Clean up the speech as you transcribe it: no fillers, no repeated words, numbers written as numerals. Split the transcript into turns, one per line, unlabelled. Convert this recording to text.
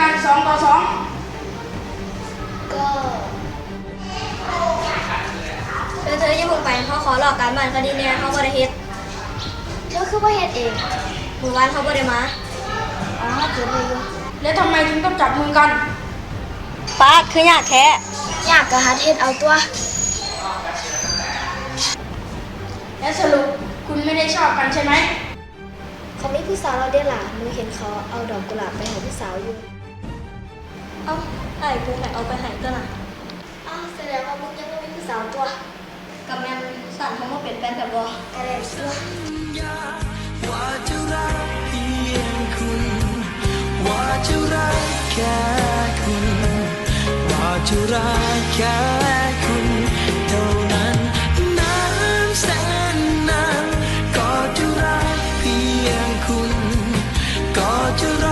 กัน2-2
ก็เธอยังคงไปเขาขอหลอกการบ้านคดีเนี่ยเขาบ่ได้เฮ็ดเธอคือบ่เฮ็ดเองมื้อวานเขาบ่ได้มาอ๋อเกิดอะไรอยู่
แล้วทำไมถึงต้องจับมือกัน
ป้าคือยากแท้ยากก็หาเฮ็ดเอาตัว
และสรุปคุณไม่ได้ชอบกันใช่ไหม
เขามีผู้สาวเราเด้ล่ะหนูเห็นเขาเอาดอกกุหลาบไปให้ผู้สาวอยู่เอ้าไอ้กูให้เอาไปให้ตัวน่ะอ้าวแสดงว่ามึงยังบ่มีผู้สาวตัวกับแม่สั่นเขามาเป็นแฟนกันบ่ก็ได้เชื่อ
ว่าจะรักเพียงคุณว่าจะรักแค่คุณว่าจะรักแค่คุณเท่านั้นนานแสนนานก็จะรักเพียงคุณก็จะ